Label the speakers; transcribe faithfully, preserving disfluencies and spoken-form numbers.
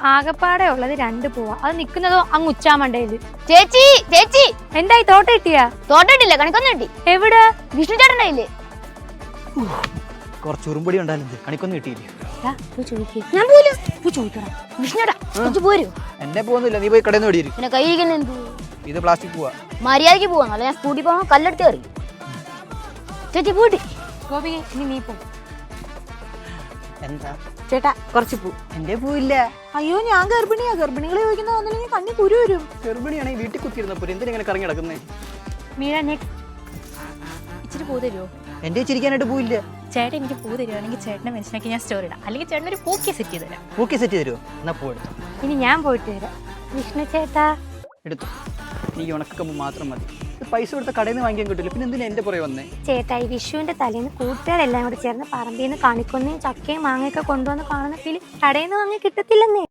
Speaker 1: ആകപ്പാടെ ഉള്ളത് രണ്ട് പൂവാ. അത് നിക്കുന്നതോ അങ്ങ് ഉച്ചാമണ്ടയില്.
Speaker 2: ചേച്ചി ചേച്ചി
Speaker 1: എന്തായി തോട്ട കിട്ടിയാ?
Speaker 2: തോട്ടിട്ടില്ല, കണിക്കൊന്നും കിട്ടി.
Speaker 1: എവിടെ?
Speaker 2: വിഷ്ണു ചേട്ടനില്ലേ?
Speaker 3: കുറച്ച് ഉറുമ്പടി ഉണ്ടായിരുന്നു, കണിക്കൊന്നും കിട്ടിയില്ല.
Speaker 2: ഞാൻ പോലും ചോദിക്കണം. വിഷ്ണുടാ കുറച്ച് പോരൂ.
Speaker 3: എന്നെ പോകുന്നില്ല, നീ പോയി കടയിൽ നിന്ന് ഓടിയിരിക്കും.
Speaker 2: പിന്നെ കയ്യിരിക്കുന്ന എന്ത്?
Speaker 3: ഇത് പ്ലാസ്റ്റിക് പോവാ.
Speaker 2: മര്യാദക്ക് പോവാന്നല്ല, ഞാൻ സ്കൂട്ടി പോകാൻ കല്ലെടുത്ത് കയറി. ചേച്ചി പോയിട്ട്
Speaker 1: ഗോപിക ഇനി നീ പോ.
Speaker 3: എന്താ
Speaker 1: ചേട്ടാ കുറച്ച് പൂ.
Speaker 3: എന്റെ പൂവില്ല.
Speaker 1: അയ്യോ ഞാൻ ഗർഭിണിയാ. ഗർഭിണികളെ ചോദിക്കുന്ന ഒന്നില്ലെങ്കിൽ കണ്ണി കുരു വരും.
Speaker 3: ഗർഭിണിയാണെങ്കിൽ വീട്ടിൽ കുത്തിയിരുന്നപ്പോ എന്തിനാ ഇങ്ങനെ കറങ്ങി കിടക്കുന്നേ?
Speaker 1: മീര ഇച്ചിരി പൂ തരുമോ?
Speaker 3: എന്റെ ചിരിക്കാനായിട്ട് പൂവില്ല.
Speaker 1: ചേട്ടൻ എനിക്ക് പൂ തരുവാണെങ്കിൽ ചേട്ടനെ മനസ്സിലാക്കി ഞാൻ സ്റ്റോറി ഇടാം. അല്ലെങ്കിൽ ചേട്ടൻ ഒരു പൂക്കി സെറ്റ് ചെയ്ത് തരാം.
Speaker 3: പൂക്കി സെറ്റ് തരുമോ? എന്നാ പൂ എടുത്തു.
Speaker 1: ഇനി ഞാൻ പോയിട്ട് വരാം. വിഷ്ണു ചേട്ടാ
Speaker 3: എടുത്തു. നീ ഉണക്കമ്പ് മാത്രം മതി. പൈസ കൊടുത്ത കടയിൽ നിന്ന് വാങ്ങിക്കാൻ കിട്ടില്ല, പിന്നെ എന്തിനാ എന്റെ പുറകെ വന്നേ?
Speaker 1: ചേട്ടായി വിഷുവിന്റെ തലേന്ന് കൂട്ടുകാരെല്ലാം കൂടി ചേർന്ന് പറമ്പിൽ നിന്ന് കണിക്കൊന്നയും ചക്കയും മാങ്ങയൊക്കെ കൊണ്ടുവന്ന് കാണുന്ന ഫീല് കടയിൽ നിന്ന് വാങ്ങി കിട്ടത്തില്ലെന്നേ.